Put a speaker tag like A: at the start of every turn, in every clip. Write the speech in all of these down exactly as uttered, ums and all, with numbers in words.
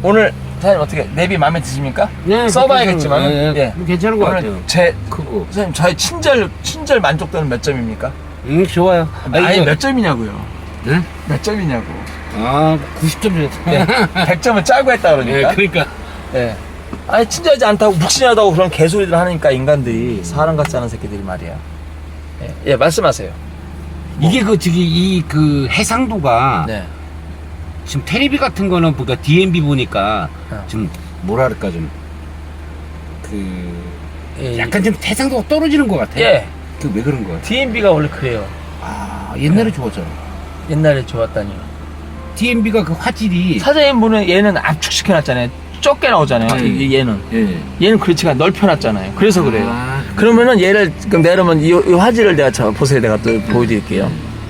A: 오늘 사장님 어떻게 내비 마음에 드십니까?
B: 네,
A: 써봐야겠지만
B: 네, 네.
A: 예.
B: 괜찮은 것
A: 오늘
B: 같아요.
A: 제
B: 크고.
A: 선생님 저의 친절 친절 만족도는 몇 점입니까?
B: 응, 좋아요.
A: 아니
B: 이거-
A: 몇 점이냐고요?
B: 네?
A: 몇 점이냐고?
B: 아, 구십 점 줬다.
A: 예. 백 점을 짜고 했다 그러니까.
B: 네, 그러니까.
A: 예. 아니 친절하지 않다고 묵신하다고 그런 개소리들 하니까 인간들이 사람 같지 않은 새끼들이 말이야. 예, 예 말씀하세요.
B: 이게 그, 저기, 이, 그, 해상도가.
A: 네.
B: 지금 테레비 같은 거는 보니까 디엠비 보니까
A: 어.
B: 좀, 뭐랄까, 좀. 그.
A: 예,
B: 약간 좀 해상도가 떨어지는 것 같아.
A: 예.
B: 그 왜 그런 거 같아?
A: 디엠비가 원래 그래요.
B: 아, 옛날에 좋았잖아.
A: 옛날에 좋았다니요.
B: 디엠비가 그 화질이.
A: 사장님 보는 얘는 압축시켜놨잖아요. 적게 나오잖아요.
B: 네.
A: 이- 얘는
B: 예.
A: 얘는 그렇지가 않아. 넓혀놨잖아요. 그래서 그래요.
B: 아,
A: 그러면은 얘를 그럼 내려면 이, 이 화질을 내가 저 보세요. 내가 또 보여드릴게요.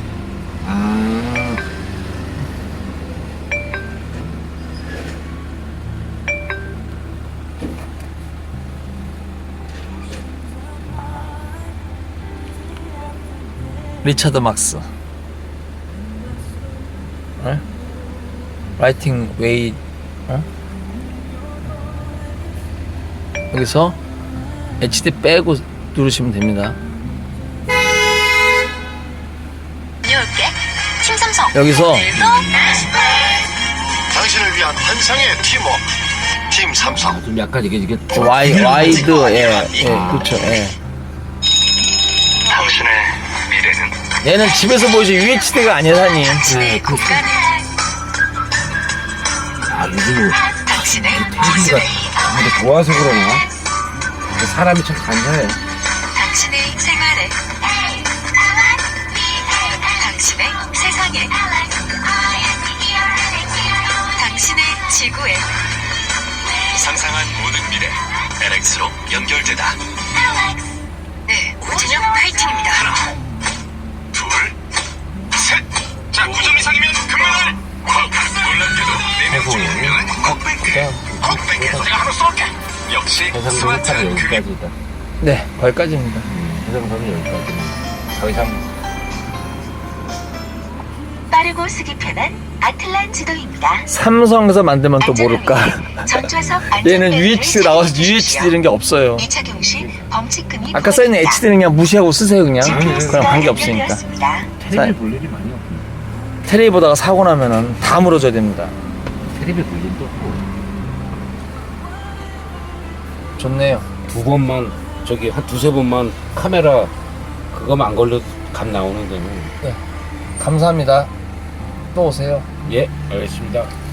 B: 아.
A: 리차드 막스. 어? 라이팅 웨이. 어? 여기서 에이치디 빼고 누르시면 됩니다.
C: 다녀올게. 팀 삼성.
A: 여기서
C: 오늘도
D: 당신을 위한 환상의 팀워크 팀 삼성.
B: 아, 좀 약간 이게, 이게.
A: 와이 와이드 예, 예 그렇죠. 예.
D: 당신의 미래는
A: 얘는 집에서 보이지 유에이치디가 아니에요, 사장님.
B: 네, 그,
C: 국가는
B: 아, 요즘
C: 당신의
B: 테레비가
C: 기술에
B: 아무래도 좋아서 그러나? 사람이 참 간사해.
C: 당신의 생활에 당신의 세상에 당신의 지구에
D: 상상한 모든 미래 엘엑스로 연결되다.
C: 네, 오진영 파이팅입니다.
D: 둘, 셋. 자, 구 점 이상이면 금메달. 놀랍게도 네명 중 한 명은 콕백해. 콕백해. 제가 하나 쏠게. 역시
B: 해상도는
D: 스마트한
B: 딱
D: 그림.
B: 여기까지다.
A: 네, 거기까지입니다.
B: 해상도는 여기까지. 더 이상.
C: 빠르고 쓰기 편한 아틀란 지도입니다.
A: 삼성에서 만들면 또 모를까.
C: 전좌석
A: 얘는 유에이치디 나와서 유에이치디 이런 게 없어요.
C: 이착용 시 범칙금이
A: 아까 써있는 에이치디는 그냥 무시하고 쓰세요 그냥.
C: 지피에스가
A: 그럼 관계 없으니까.
C: 연결되었습니다.
B: 테레비 볼 일이 많이 없네.
A: 테레비 보다가 사고 나면은 다 물어줘야 됩니다.
B: 테레비 볼 일도 없고.
A: 좋네요.
B: 두 번만, 저기 한 두세 번만 카메라 그거만 안 걸려 감 나오는 데는.
A: 감사합니다. 또 오세요.
B: 예, 알겠습니다.